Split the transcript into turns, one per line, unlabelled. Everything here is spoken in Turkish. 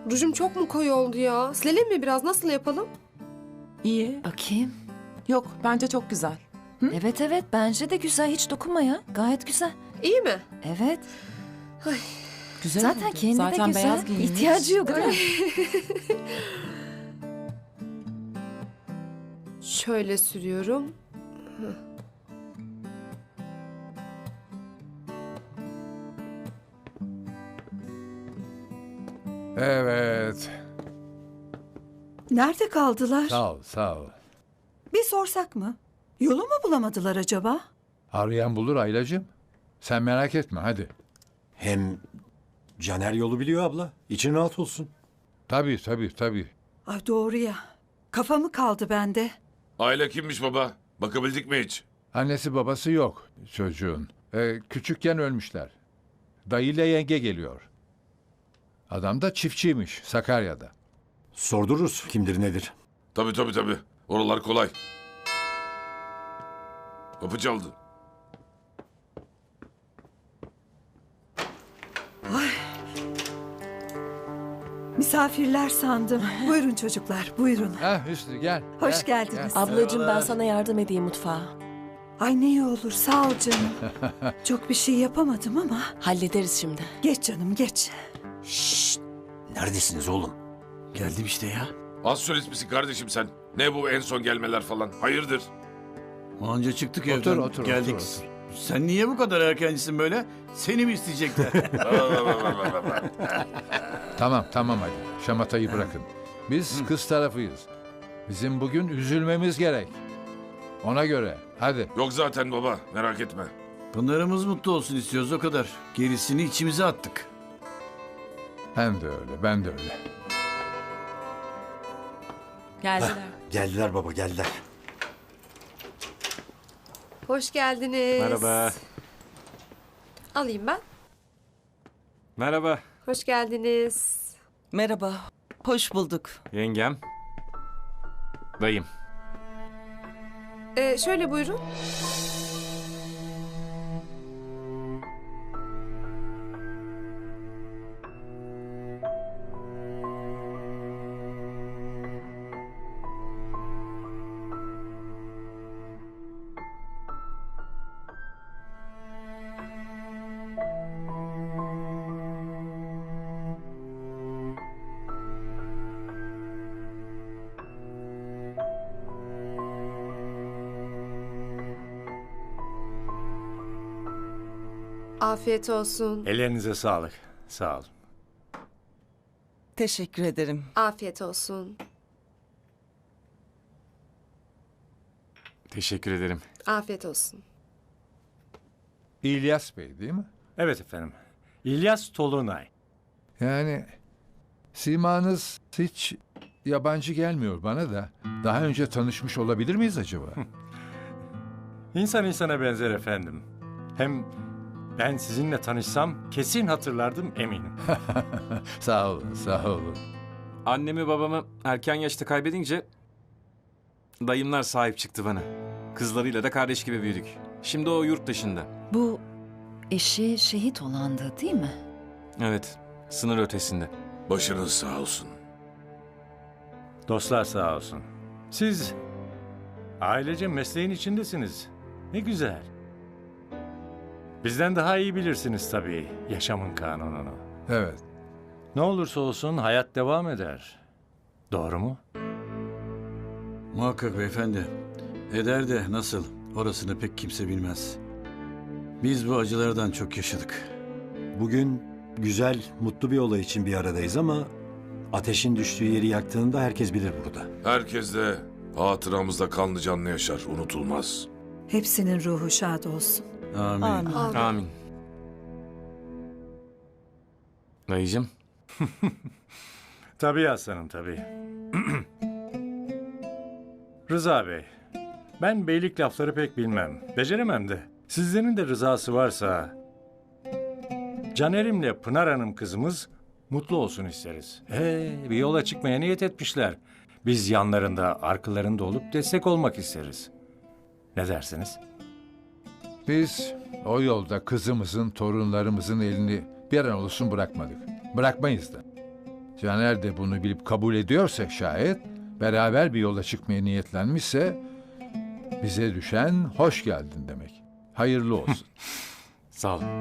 Rujum çok mu koyu oldu ya? Silelim mi biraz? Nasıl yapalım?
İyi.
Bakayım.
Yok, bence çok güzel.
Evet evet bence de güzel. Hiç dokunma ya. Gayet güzel.
İyi mi?
Evet.
Güzel
Zaten
oldu.
kendi
Zaten
de güzel.
beyaz giyinmiş.
İhtiyacı yok değil mi?
Şöyle sürüyorum.
Evet.
Nerede kaldılar?
Sağ ol, sağ ol.
Bir sorsak mı? Yolu mu bulamadılar acaba?
Arayan bulur Aylacığım. Sen merak etme hadi.
Hem Caner yolu biliyor abla. İçin rahat olsun.
Tabii.
Ay doğru ya. Kafamı kaldı bende.
Aile kimmiş baba? Bakabildik mi hiç?
Annesi babası yok çocuğun. Küçükken ölmüşler. Dayıyla yenge geliyor. Adam da çiftçiymiş Sakarya'da.
Sordururuz kimdir nedir.
Tabii. Oralar kolay. Kapı çaldı.
Misafirler sandım. Buyurun çocuklar, buyurun.
Hüsnü gel.
Hoş
gel,
geldiniz.
gel.
Ablacığım ben sana yardım edeyim mutfağa.
Ay ne iyi olur, sağ ol canım. Çok bir şey yapamadım ama.
Hallederiz şimdi.
Geç canım, geç.
Neredesiniz oğlum?
Geldim işte ya.
Az solist misin kardeşim sen? Ne bu en son gelmeler falan? Hayırdır?
Anca çıktık
Otur,
evden.
otur,
geldik.
otur.
Sen niye bu kadar erkencisin böyle? Seni mi isteyecekler?
Tamam hadi. Şamatayı bırakın. Biz kız tarafıyız. Bizim bugün üzülmemiz gerek. Ona göre. Hadi.
Yok zaten baba, merak etme.
Pınar'ımız mutlu olsun istiyoruz o kadar. Gerisini içimize attık.
Ben de öyle.
Geldiler.
Geldiler baba geldiler.
Hoş geldiniz.
Merhaba.
Alayım ben.
Merhaba
Hoş geldiniz.
Merhaba, hoş bulduk.
yengem. Dayım.
Şöyle buyurun. Afiyet olsun.
Ellerinize sağlık. Sağ olun.
Teşekkür ederim.
Afiyet olsun.
Teşekkür ederim.
Afiyet olsun.
İlyas Bey değil mi?
Evet efendim. İlyas Tolunay.
Yani simanız hiç yabancı gelmiyor bana da. Daha önce tanışmış olabilir miyiz acaba?
İnsan insana benzer efendim. Hem ben sizinle tanışsam kesin hatırlardım eminim.
Sağ olun.
Annemi babamı erken yaşta kaybedince dayımlar sahip çıktı bana. Kızlarıyla da kardeş gibi büyüdük. Şimdi o yurt dışında.
Bu eşi şehit olandı değil mi?
Evet, sınır ötesinde.
Başınız sağ olsun.
Dostlar sağ olsun. Siz ailece mesleğin içindesiniz. Ne güzel. Bizden daha iyi bilirsiniz tabii yaşamın kanununu.
Evet.
Ne olursa olsun hayat devam eder. Doğru mu?
Muhakkak beyefendi. Eder de nasıl? Orasını pek kimse bilmez. Biz bu acılardan çok yaşadık.
Bugün güzel, mutlu bir olay için bir aradayız ama ateşin düştüğü yeri yaktığında herkes bilir burada.
Herkes de hatıramızda kanlı canlı yaşar, unutulmaz.
Hepsinin ruhu şad olsun.
Amin.
Amin.
Amin. Dayıcım,
Tabii aslanım tabii. Rıza Bey, ben beylik lafları pek bilmem. Beceremem de. Sizlerin de rızası varsa Caner'imle Pınar Hanım kızımız mutlu olsun isteriz. Bir yola çıkmaya niyet etmişler. Biz yanlarında, arkalarında olup destek olmak isteriz. Ne dersiniz?
Biz o yolda kızımızın, torunlarımızın elini bir an olsun bırakmadık. Bırakmayız da. Caner de bunu bilip kabul ediyorsa şayet, beraber bir yola çıkmaya niyetlenmişse, bize düşen hoş geldin demek. Hayırlı olsun.
Sağ olun.